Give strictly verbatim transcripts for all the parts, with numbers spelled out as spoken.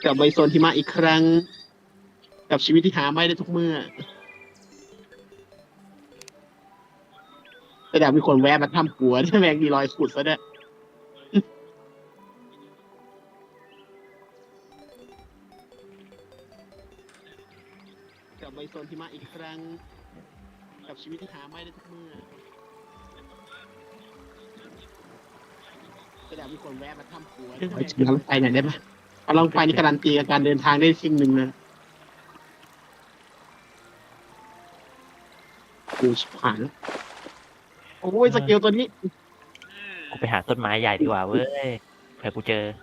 กลับไปโซนหิมะอีกครั้งกับชีวิตที่หาไม่ได้ทุกเมื่อแต่ดาบมีคนแวะมาทำหัวที่แมงมีรอยขุดซะด้วยกลับไปโซนหิมะอีกครั้งกับชีวิตที่หาไม่ได้ทุกเมื่อแต่ดาบมีคนแวะมาทำหัวที่แมงมีรอยไปไหนได้ไหมเอาลองไปนี่การันตีกับการเดินทางได้สิ่งหนึ่งนะกูชิบหายแล้วโอ้ยสเกลตัวนี้กูไปหาต้นไม้ใหญ่ดีกว่าเว้ยเผื่อกูเจอ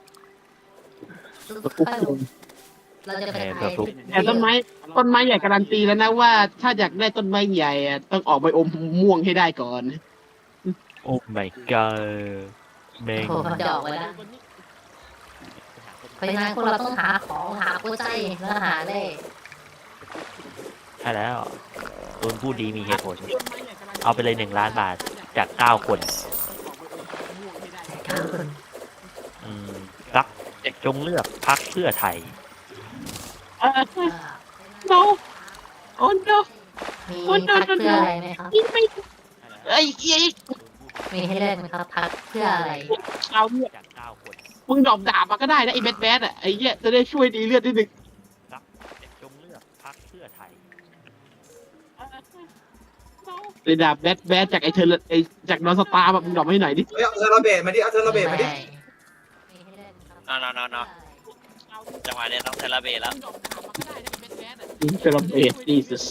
เราจะไปเออถ่ายเผื่อแต่ต้นไม้ต้นไม้ใหญ่การันตีแล้วนะว่าถ้าอยากได้ต้นไม้ใหญ่อะต้องออกใบอมม่วงให้ได้ก่อนโอ้ my god แม่งโอ้มันจะออกมาแล้วเพราะฉะนั้นพวกเราต้องหาของหากู้ใจแล้วหาเล่ใช่แล้วโดนผู้ดีมีเหตุผล เอาไปเลยหนึ่งล้านบาทจากเก้าคนเก้าคนอืมรักจงเลือกพักเพื่อไทยเอออ่า no โอ้ no มีพักเพื่ออะไรไหมครับยิงไม่ไอ้เหี้ยมีให้เลือกไหมครับพักเพื่ออะไรเอาเนี่ยจากเก้าคนมึงดรอปดาบมาก็ได้นะไอ้แบดแบดอ่ะไอ้เหี้ยจะได้ช่วยดีเลือดนิดนึงรักจงเลือกพักเพื่อไทยไอ้ดาบแบดแบดจากไอ้เธอไอ้จากนอนสตาร์แบบมึงดรอปมาให้หน่อยดิเฮ้ยเอาเทอร์ระเบดมาดิเอาเทอร์ระเบดมาดิมีให้เลือกไหมครับเอาเอาเอาเอาจังหวะนี้ต้องเทเลเบตแล้วเซเลบรต Jesus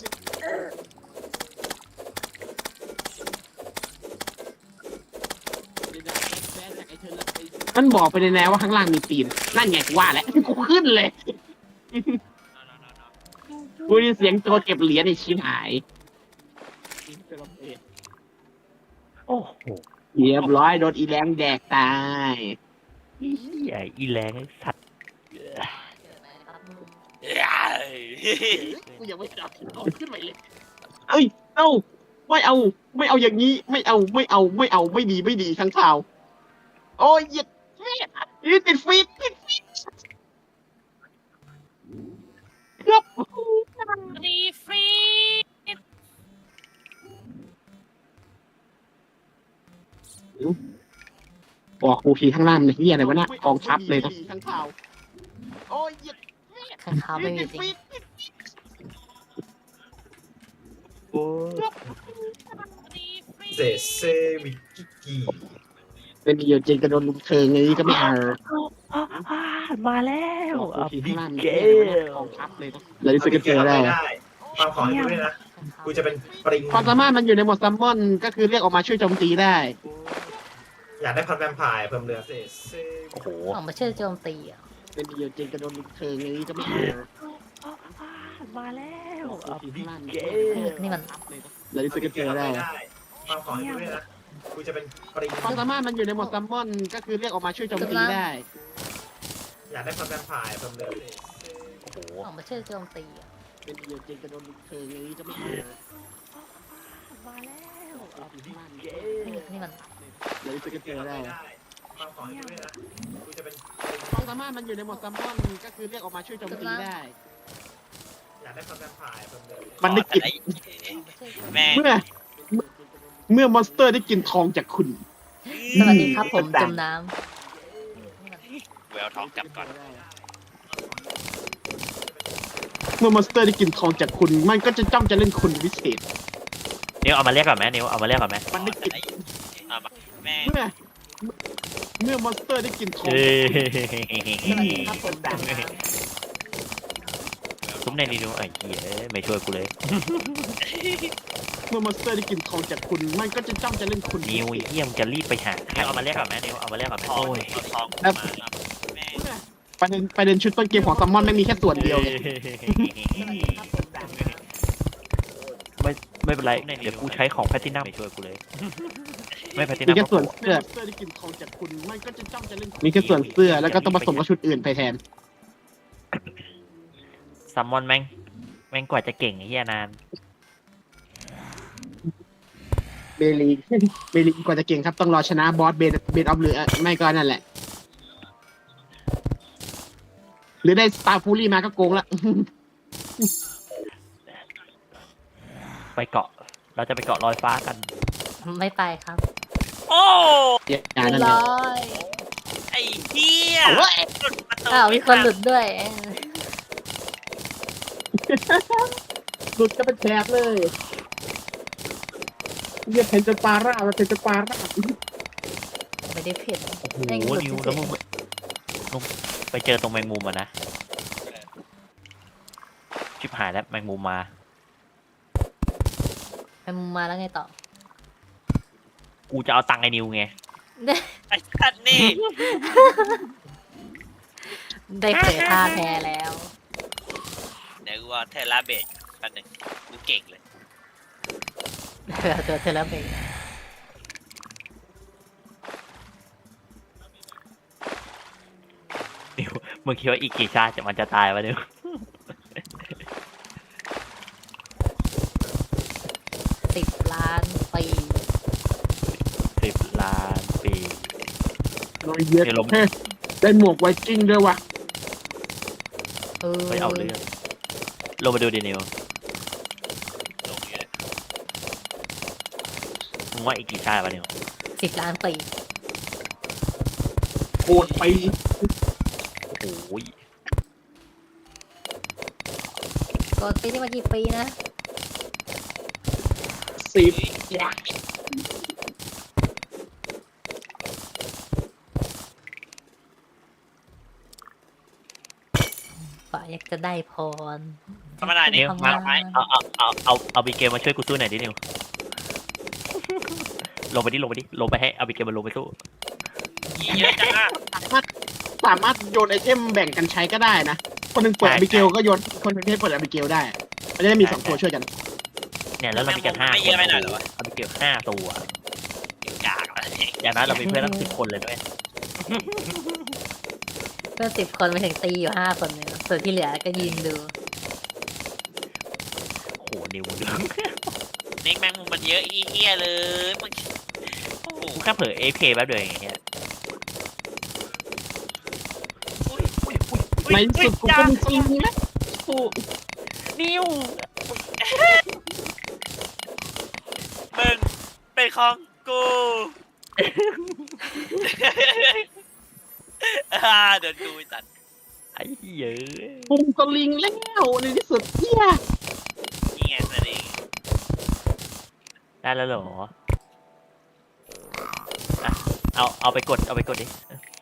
มันบอกไปในแนวว่าข้างล่างมีตีนนั่นไงกูว่าแหละกูขึ้นเลยเอาเอาเอาเอากูได้ยินเสียงโจรเก็บเหรียญในชิ้นหายโอ้โหเรียบร้อยโดนอีแรงแดกตายเหี้ยอีแรงไอ้สัตว์เกิดอะไรครับเอ้ยกูยังไม่จับเอาขึ้นไปเลยเอ้ยเอ้าไม่เอา ไม่เอาอย่างนี้ ไม่เอาไม่เอาไม่เอาไม่ดีไม่ดีข้างข่าว โอ้ยเหยียดแม่ยืดติดฟีดติดฟีดครับดีฟรีบอกครูพีข้างล่างมันเฮียอะไรวะเนี่ยกองทัพเลยนะข้างข่าวโอ้ยเหยียดข้างเขาไม่มีจริงโอ้เซเซวิกิกิเป็นเดียวจริงกระโดนลุมเทิงอย่างนี้ก็ไม่เอามาแล้วบอกครูอ่ะพีข้างล่างมันเกเฮียอะไรวะเนี่ยลกองทัพเลยนะแล้วที่สุดก็เจอได้ฟังของให้ดูด้วยนะกูจะเป็นปริงความสามารถมันอยู่ในโหมดซัมมอนก็คือเรียกออกมาช่วยโจมตีได้อยากได้พันแวมไพร์เพิ่มเรือเซเซโอ้โหออกมาช่วยโจมตีอ่ะเป็นเดียวจริงกระโดนลุมเทิงอย่างนี้ก็ไม่เอามาแล้วบอกครูพีข้างล่างมันเกเฮียอะไรวะเนี่ยนี่มันแล้วที่สุดก็เจอได้ฟังของให้ดูด้วยนะกูจะเป็นปริงความสามารถมันอยู่ในโหมดซัมมอนก็คือเรียกออกมาช่วยโจมตีได้อยากได้พันแวมไพร์เพิ่มเรือเซเซโอ้โหออกมาช่วยโจมตีอ่ะเป็นเดียวจริงกระโดนลุมเทิงอย่างนี้ก็ไม่เอามาแล้วบอกครูพีข้างล่างมันเกเฮียลนี่มันแล้วที่สุดก็เจอได้ฟังของให้ดูด้วยนะกูจะเป็นปริงความสามารถมันอยู่ในโหมดซัมมอนก็คือเรียกออกมาช่วยโจมตีได้อยากได้พันแวมไพร์เพิ่มเรือมันได้กลิ่นไอ้แม่งเมื่อ เมื่อมอนสเตอร์ได้กลิ่นทองจากคุณสวัสดีครับผมจมน้ำนี่มันแววท้องกลับก่อนเมื่อมอนสเตอร์ได้กลิ่นทองจากคุณ มันก็จะจ้องจะเล่นคุณพิเศษนิวเอามาเรียกก่อนไหมนิวเอามาเรียกก่อนไหมมันได้กลิ่นไอ้เอามาแม่งเมื่อ เมื่อมอนสเตอร์ได้กลิ่นทองเอ้สวัสดีครับผมจมน้ซุ้มในนิวไอ้เหี้ยไม่ช่วยกูเลยเมื่อมอนสเตอร์ได้กลิ่นทองจากคุณ มันก็จะจ้องจะเล่นคุณพินิวเศไอ้ษเหี้ยมึงจะรีบไปหานิวเอามาเรียกก่อนไหมนิวเอามาเรียกก่อนไหมทองโอ้ยเอาทองครับมาแม่งเมื่อประเด็นประเด็นชุดต้นเกมของซัมมอนไม่มีแค่ส่วนเดียวไงไม่ไม่เป็นไรเดี๋ยวกูใช้ของแพลตินัมไม่ช่วยกูเลย ไม่แพลติมีนัมแค่ส่วนเสื้อ ได้กลิ่นทองจากคุณ มันก็จะจ้องจะเล่นมีแค่ส่วนเสื้อ แล้วก็ต้องผสมกับชุดอื่นไปแทนซัมมอนแม่งแม่งกว่าจะเก่งไอ้เหี้ยนานเบลีเบลีกว่าจะเก่งครับต้องรอชนะบอสเบนเบนออฟหรือไม่ก็นั่นแหละหรือได้สตาร์ฟูรี่มาก็โกงละไปเกาะ เราจะไปเกาะลอยฟ้ากันไม่ไปครับโอ้อย่านั่นเลยร้อยไอ้เหี้ยเอาเว้ยหลุดประตูอ้าวมีคนหลุดด้วยหลุดก็เป็นแถบเลยเรียกเพนจปาร่ามันเพนจปาร่าไม่ได้ผิดโอ้โหแม่งหลุดนิวเฉแล้วยมึงลงไปเจอตรงแมงมุมอ่ะนะ ชิบหายแล้วแมงมุมมาๆไปมุมมาแล้วไงต่อกูจะเอาตังค์ไอ้นิวไงไอ้สัตว์นี่ได้เผยท่าแท้แล้วเดี๋ยวกูเอาเทราเบสแป๊บหนึงกูเก่งเลยเผื่อตัวเธอแล้วเบรกนิวมึงคิดว่าอีกกี่ชาติจะมันจะตายวะนิวสิบล้านปีสิบล้านปีโดยเย็ดเดี๋ยวลงเฮ้ยได้หมวกไวกิ้งด้วยว่ะเออไม่เอาเรื่องลงมาดูดินิวลงอยู่เลยมึงว่าอีกกี่ชาติวะนิวสิบล้านปีโคตรไปโอ้ยกดปีนี่มากี่ปีนะสิบฝ่าอยากจะได้พรธรรมดานี่นิวทำมาไมเอาเอาเอาเอาเอาบิเกลมาช่วยกูสู้หน่อยดินิว ลงไปดิลงไปดิลงไปให้เอาบิเกลมาลงไปสู้ยี่เยอะจังอะสามารถสามารถโยนไอเทมแบ่งกันใช้ก็ได้นะ คนหนึ่งเปิดใช่อบิเกลก็โยนคนหนึ่งที่เปิดอบิเกลได้มันจะได้มีสองตัวช่วยกันเนี่ยแล้วเรามีกันห้าไม่คเยนอะไปหน่อยเหรอวะเอาบิเกลห้าตัวกากอะไรอย่างนั้นเรามีเพื่อนตั้งสิบคนเลยด้วยเพื่อนสิบคนไปถึงตีอยู่ห้าคนเนี่ยส่วนที่เหลือก็ยืนดูโอ้โหนิวมึงดูนี่แมงมุมมันเยอะอีเหี้ยเลยมึงโอ้โหกูแค่เผลอเอฟเคแป๊บเดียวอย่างเงี้ยอุ้ยอุ้ยอุ้ยในที่สุดกูก็มีจริงนะโอ้นิวมึงเป็นของกูอ่าเดินกูไอ้สัตว์ไอ้เหี้ยปุ้มก็ลิงแล้วในที่สุดเฮียนี่ไงนั่นเองได้แล้วเหรออ่ะเอาเอาไปกดเอาไปกดดิ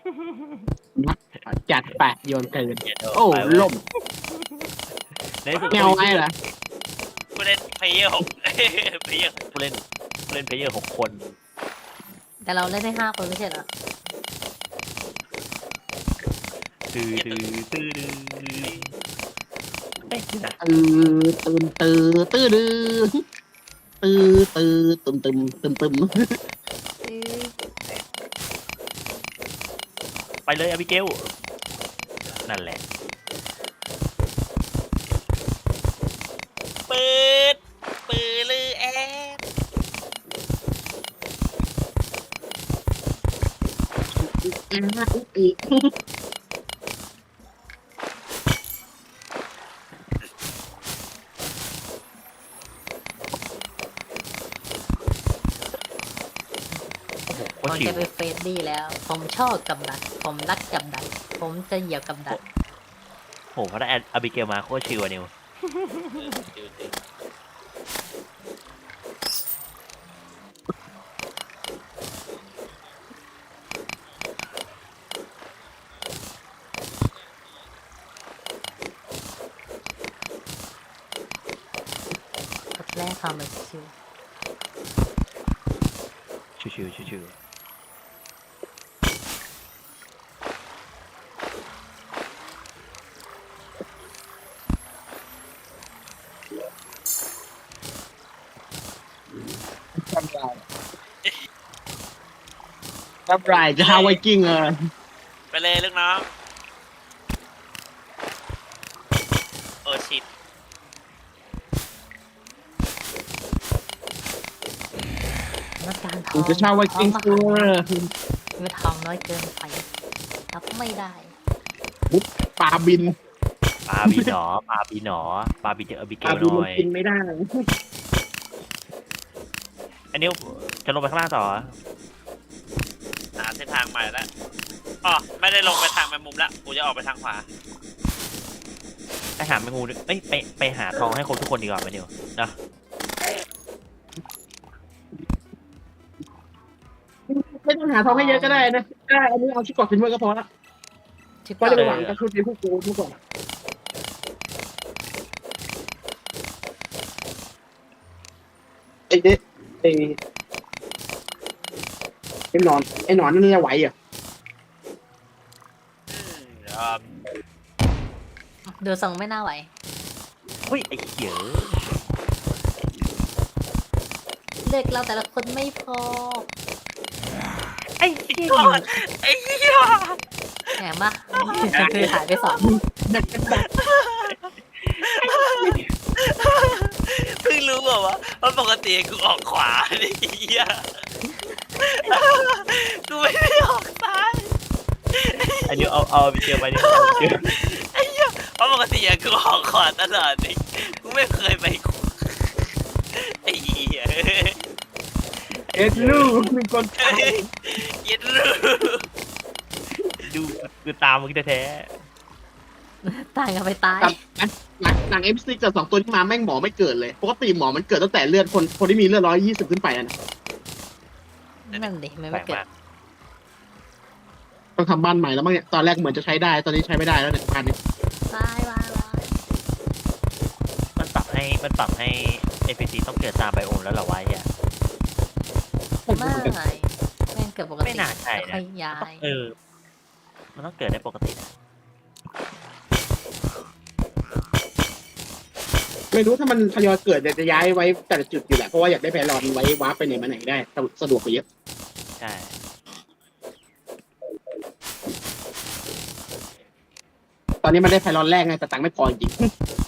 จัดแปะโยนเกินเดี๋ยวโอ้ไปเว้ยล่มในที่สุดแมวไอ้เหรอกูเล่นเพลเยอร์หกเพลเยอร์ผู้เล่นผู้เล่นเพลเยอร์หกคนแต่เราเล่นได้ห้าคนไม่ใช่เหรอตื้อตื้อตื้อตื้อไม่นะตื่นตื่นตื่นตื่นตื่นตื่นตึมตึมตึมตึมไปเลยอาบิเกลนั่นแหละปืดปืดลือแอดอีกโคผมตรชิจะวไปเฟสดี้แล้ว ผมชอบกับดัก ผมรักกับดัก ผมจะเหยียบกับดักโหพอได้อาบิเกลมาโคตรชิวอะนิวดูสิกดแรกทำมันชิวชิวชิวชิวชิวรับรายจะฮาไวกิ้งเออไปเลยลูกน้องโอ้ชิตนักการทกูองจะเช่าไวกิ้งทเอองอไม่ทองน้อยเกินไปรับไม่ได้ปุ๊บปลาบินปลาบีหนอปลาบีหนอปลาบีเจอบิเกปลาลบินหน่มัอน ยกินไม่ได้อันนี้จะลงไปข้างล่างต่อหาเส้นทางใหม่แล้วอ๋อไม่ได้ลงไปทางแมงมุมแล้วกูจะออกไปทางขวาไปหาแมงมุมด้วยเอ้ยไปไปหาทองให้ครบทุกคนดีกว่าไหมเดี๋ยวนะไม่ต้องหาทองให้เยอะก็ได้นะได้อันนี้เอาชุดเกราะฟินเวอร์ก็พอละชิปก็ต่เลยอหวังกับชุดนี้พวกกูทุกคนไอ้เด็กไอ้ไอ้หนอนไอ้หนอนนั่นจะไหวเหรอ่ะเอ่อดูทรงไม่น่าไหวเฮ้ยไอ้เหี้ยเด็กเราแต่ละคนไม่พอไอ้เหี้ยไอ้เหี้ยแหมปะคือหายไปสองดักกันดักเพิ่งรู้เหรอวะว่าปกติกูออกขวาไอ้เหี้ยกูไม่ได้ออกซ้ายไอ้เดี๋ยวเอาเอาไปเจอไปเนี่ยเอาไปเจอเพราะปกติอะกูออกขวาตลอดนี่กูไม่เคยไปขวาไอ้เหี้ยเอ็ดลูกมีคนไทยเย็ดรู้ดูคือตามมึงแท้ตายกันไปตายหลังหลังเอฟซีกับสองตัวที่มาแม่งหมอไม่เกิดเลยปกติหมอมันเกิดตั้งแต่เลือดคนคนที่มีเลือดร้อยยี่สิบขึ้นไปอะนะนั่นดิไม่ๆแปลไม่กเกิดมากต้องทำบ้านใหม่แล้วมั้งเนี่ยตอนแรกเหมือนจะใช้ได้ตอนนี้ใช้ไม่ได้แล้วเนี่ยบ้านนี้ตายวายวายมันปรับให้มันปรับให้เอพีซีต้องเกิดตามไบโอมแล้วเหรอวะเนี่ยไม่แม่งเกิดปกติไม่น่าใช่นะค่อยย้ายเออ มันต้องเกิดได้ปกตินะไม่รู้ถ้ามันทยอยเกิดจะย้ายไว้แต่ละจุดอยู่แหละเพราะว่าอยากได้แพลรอนไว้วาร์ปไปไหนมาไหนได้สะดวกกว่าเยอะใช่ตอนนี้มันได้แพลรอนแรกไงแต่ตังค์ไม่พอจริง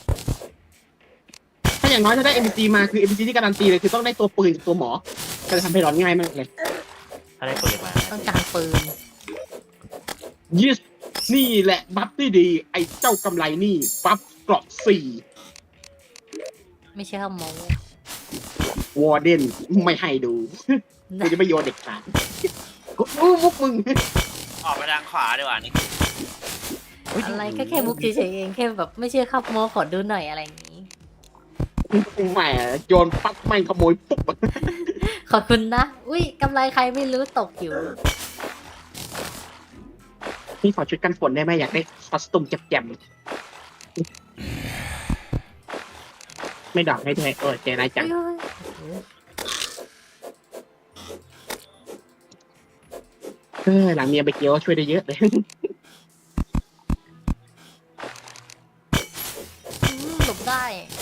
ถ้าอย่างน้อยถ้าได้ เอ็ม พี ซี มาคือ เอ็ม พี ซี ที่การันตีเลยคือต้องได้ตัวปืนกับตัวหมอก็จะทำแพลรอนง่ายมากเลยถ้าได้ปืนมาต้องการปืนยิสนี่แหละบัฟที่ดี ไอ้เจ้ากำไรนี่บัฟเกราะสี่ไม่ใช่ข้าวโมวอร์เดนไม่ให้ดูกูจะไม่โยนเด็กขาดกูอู้มุกมึงออกไปทางขวาดีกว่านี่อะไรก็แค่มุกเฉยๆเองแค่แบบไม่เชื่อข้าวโมขอดูหน่อยอะไรอย่างนี้แหมโยนปั๊บไม่งขโมยปุ๊บขอบคุณนะ อุ้ยกำไรใครไม่รู้ตกอยู่นี่ขอชุดกันฝนได้ไหมอยากได้คอสตูมแจ่มๆไม่ดอกให้ด้วยเออเจนายจัง เออหลังเมียไปเกี่ยวช่วยได้เยอะเลยอืมหลบได้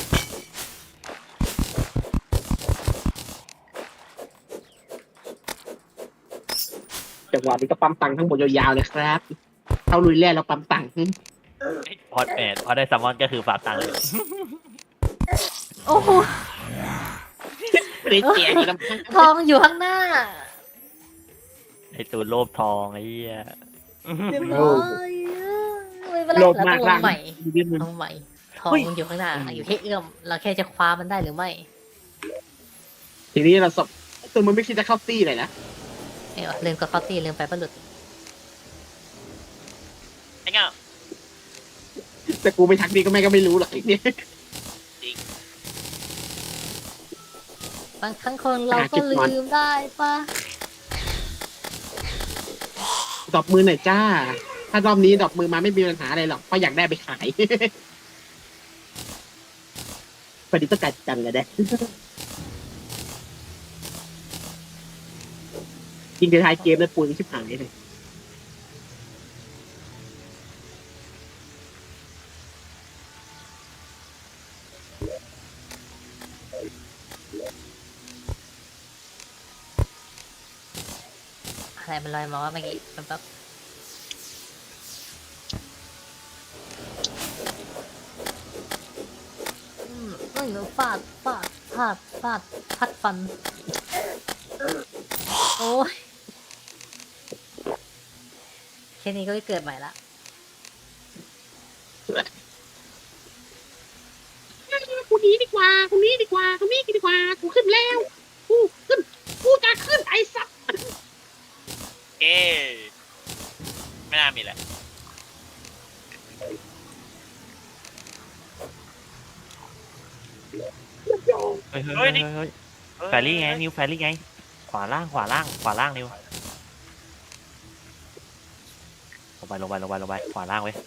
จังหวะนี้ก็ปั๊มตังค์ทั้งหมดยาวๆเลยครับเข้าลุยแร่เราปั๊มตังค์พอดแมนพอได้ซัมมอนก็คือฝากตังค์เลยโอ้โหไม่ได้เจียอยู่ลำพังทองอยู่ข้างหน้าไอตัวโลภทองไอ้เหี้ยเรียบร้อยไม่เป็นไรโลเราภต้มาอก งลล่างงใหม่นิดนึงลงใหม่ ทองมันอยู่ข้างหน้า อยู่แค่เอื้อม เราแค่จะคว้ามันได้หรือไม่ทีนี้เราสอบตัวมันไม่คิดจะเข้าตี้เลยนะเอ้ยลืมกับเขาตีลืมไปประหลุดไอ้เงี้ยแต่กูไปทักดีก็แม่ก็ไม่รู้หรอกไอ้เนี่ยบางครั้งคนเราก็ลืมได้ปะดอกมือหน่อยจ้า ถ้ารอบนี้ดอกมือมาไม่มีปัญหาอะไรหรอกเพราะอยากได้ไปขาย พอดีต้องการจังเลยเด้ยิงในท้ายเกมแล้วปูนชิบหายเลยอะไรมันลอยมาว่าเมื่อกี้แป๊บๆอืมเอ้ยฟาดฟาดฟาดฟาดพัดฟัน โอ้ยแค่นี้ก็ได้เกิดใหม่ละกูหนีดีกว่ากูหนีดีกว่ากูหนีดีกว่ากูขึ้นแล้วกูขึ้นกูจะขึ้นไอ้สัตว์เอ๊ไม่น่ามีแหละเฮ้ยเฮ้ยเฮ้ยเฮ้ยแฟรี่ไงนิวแฟรี่ไงขวาล่างขวาล่างขวาล่างนิวลงไปลงไปลงไปลงไปขวาล่างไว้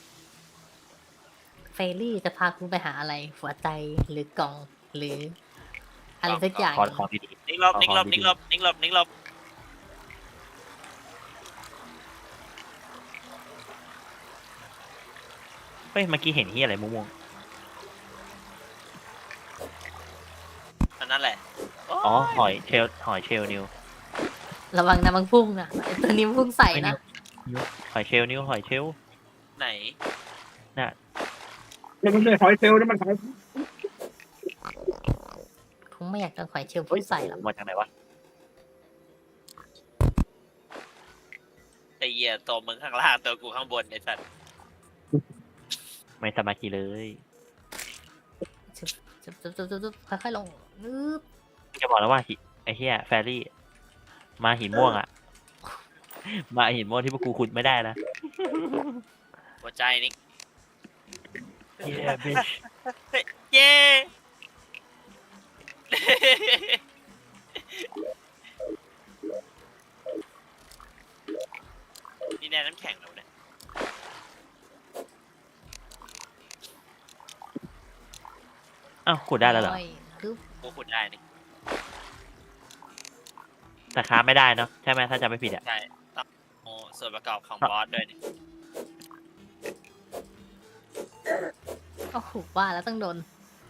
เฟรรี่จะพาคุณไปหาอะไร หัวใจหรือกล่องหรือ อะไรสักอย่างขอของดีนิกลบนิกลบนิกลบนิกลบนิกลบๆเฮ้ยเมื่อกี้เห็นที่อะไรม่วงอันนั้นแหละๆอ๋อหอยเชลหอยเชลนิวระวังนะมันพุ่งนะไอ้ตัวนี้มันพุ่งใส่นะหอยเชลนิวหอยเชลไหนนี่มันไม่ใช่หอยเซลล์นี่มันหอยคงไม่อยากจะขอยเชิญพุ่งใส่หรอกมาจากไหนวะไอ้เหี้ยตัวมึงข้างล่างตัวกูข้างบนไอ้สัตว์ไม่สมาธิเลยจุ๊บจุ๊บจุ๊บจุ๊บจุ๊บค่อยๆลงนึบจะบอกแล้วว่าหิไอ้เหี้ยแฟรี่มาหินม่วงอ่ะ มาหินม่วงที่พวกกูขุดไม่ได้นะหัวใจนิกเหี้ยบิชเย้นี่แดนน้ำแข็งแล้วเนี่ยอ้าวขุดได้แล้วเหรอค่อยๆฮึบกูขุดได้นี่แต่ค้าไม่ได้เนาะใช่ไหมถ้าจำไม่ผิดอ่ะใช่ต้องโอ้ส่วนประกอบของบอสด้วยนี่โอ้โหว่าแล้วต้องโดน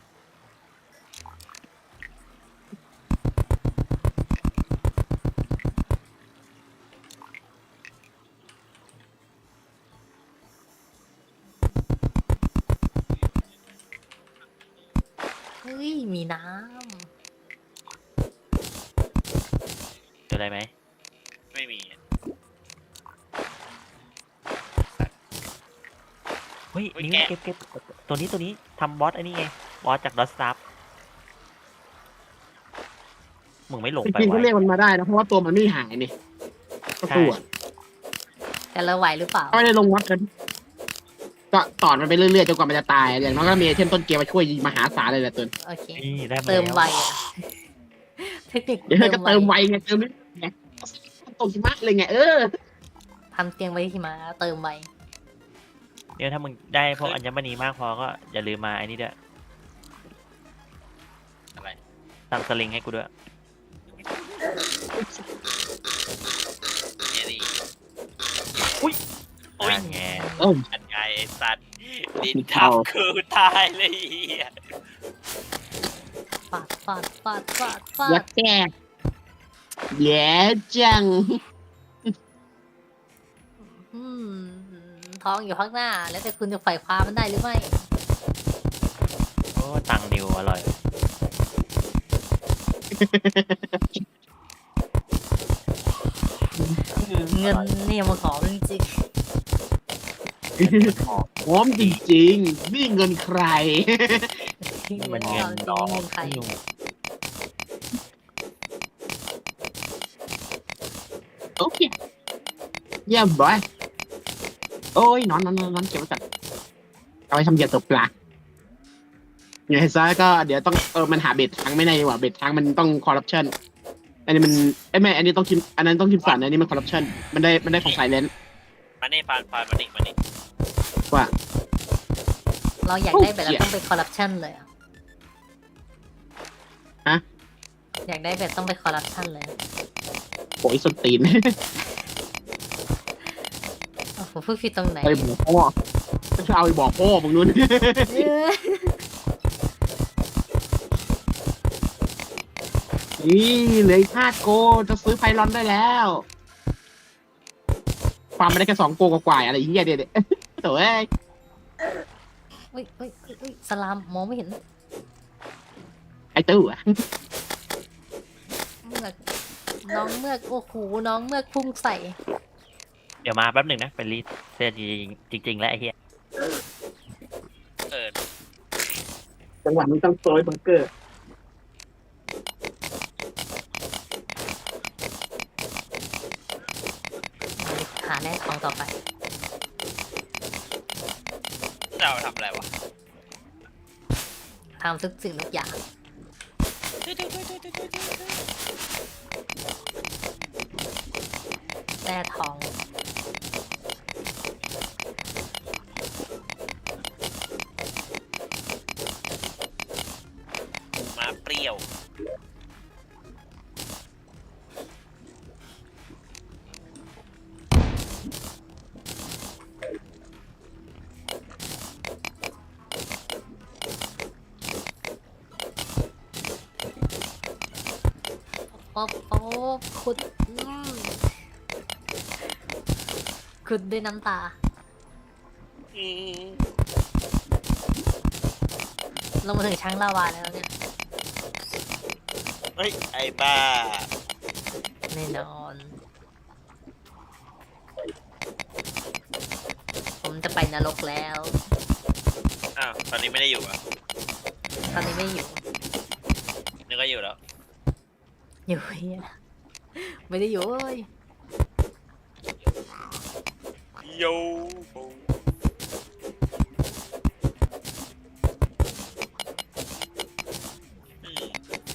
เฮ้ย มีน้เจออะไรไหมไม่มีอะเฮ้ยเฮ้ยนี่แกะเก็บเก็บตัวนี้ตัวนี้ทำบอสไอ้นี่ไงบอสจากดอสซับมึงไม่หลงจไปริงๆวะก็เรียกมันมาได้นะเพราะว่าตัวมันไม่หายนี่ก็ตัวำแต่เราไหวหรือเปล่าก็ไม่ได้ลงวัดกัน ก็สอนมันไปเรื่อยๆจนกว่ามันจะตายอย่างน้อยก็มีไอเทมต้นเกมมาช่วยยิงมหาศาลเลยแหละตัวโอเคนี่ได้มาเติมแล้วไวอะเทคนิคเดี๋ยวเติก็มเติมไวไวไงเติมนิดไงตกหิมะเลยไงเออทำเตียงไว้ที่มาเติมไวเดี๋ยวถ้ามึงได้พวกอัญมณีมากพอก็อย่าลืมมาไอ้นี่ด้วยอะไรทำสลิงให้กูด้วยเนี่ยนี่อุ้ยโอ้ยนั่นไงโอ้ยอันไงไอ้สัตว์ดินเอาทับคือตายเลยไอ้เหี้ยฟาดฟาดฟาดฟาดฟายัดดแก่แย่จังอืมท้องอยู่ข้างหน้า แล้วแต่คุณจะไฝ่คว้ามันได้หรือไม่โอ้ตังนิวอร่อยเงินเนี่ยมันขอจริงพร้อมจริงๆนี่เงินใครๆนี่มันเงินจริน้องเงินใครนิวโอเคเยี่ยมบอยโอ้ยนอนนอนนอนนอนเก็บไว้ก่อนเอาไปทำเหยื่อตกปลาอย่างไรซะก็เดี๋ยวต้องเออมันหาเบ็ดทางไม่ได้ดีกว่าเบ็ดทางมันต้องคอร์รัปชันอันนี้มันไอ้ยแม่อันนี้ต้องคิมอันนั้นต้องคิมสันอันนี้มันคอร์รัปชันมันได้มันได้ของไซเลนมานี่ปานปานมานี่มานี่ว่าเราอยากได้แบบเราต้องไปคอร์รัปชันเลยอะฮะอยากได้แบบต้องไปคอร์รัปชันเลยโอ้ยส้นตีนโอ้โหพูดผิดตรงไหนไปบอกพ่อจะเอาไปบอกพ่อมึงนู้นเอ้ยนี่เหลืออีกห้าโกจะซื้อไพลอนได้แล้วฟาร์มไม่ได้แค่สองโกกว่าๆอะไรอย่างเงี้ยเด็ดๆโถ่เอ้ยเฮ้ยเฮ้ยเฮ้ยเฮ้ยสลามมองไม่เห็นไอ้ตู้อะเมือกน้องเมือกโอ้โหน้องเมือกพุ่งใส่เดี๋ยวมาแป๊บหนึ่งนะเป็นรีเซ็ตจริงๆจริงๆแล้วไอ้เหี้ยจังหวะนี้ต้องโซยบังเกอร์หาแร่ทองต่อไปเราทำอะไรวะทำทุกสิ่งทุกอย่างแร่ทองมาเปรี้ยวโป๊บโป๊บขุดอืมขุดด้วยน้ำตาอืมลงมาถึงช้างลาวาแล้วเนี่ยเฮ้ยไอ้บ้าแน่นอน ผมจะไปนรกแล้วอ้าวตอนนี้ไม่ได้อยู่อ่ะตอนนี้ไม่อยู่นึกว่าอยู่แล้วอยู่เฮียไม่ได้อยู่เว้ยโยอืม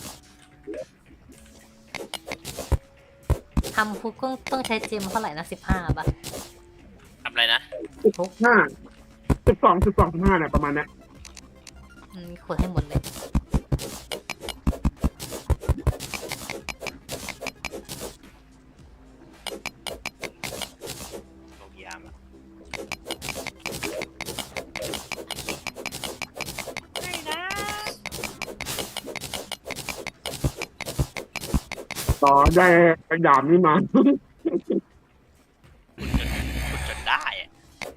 ทำคุกต้องต้องใช้เจมเท่าไหร่นะสิบห้าป่ะทำอะไรนะสิบห้าสิบสองสิบสองสิบห้าเนี่ยประมาณเนี้ยอืมขุดให้หมดเลยโรงยามอะต่อได้กระดาบนี้มาขุดจนได้อะ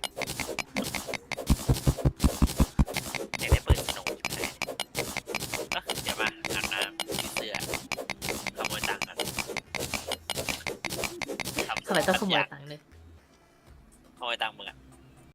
อยากได้ปืนสนุกใช่ไหมเอ้อเดี๋ยวมาอาบน้ำซื้อเสื้อขโมยตังค์กันทำไมต้องขโมยตังค์เลยขโมยตังค์มึงอะ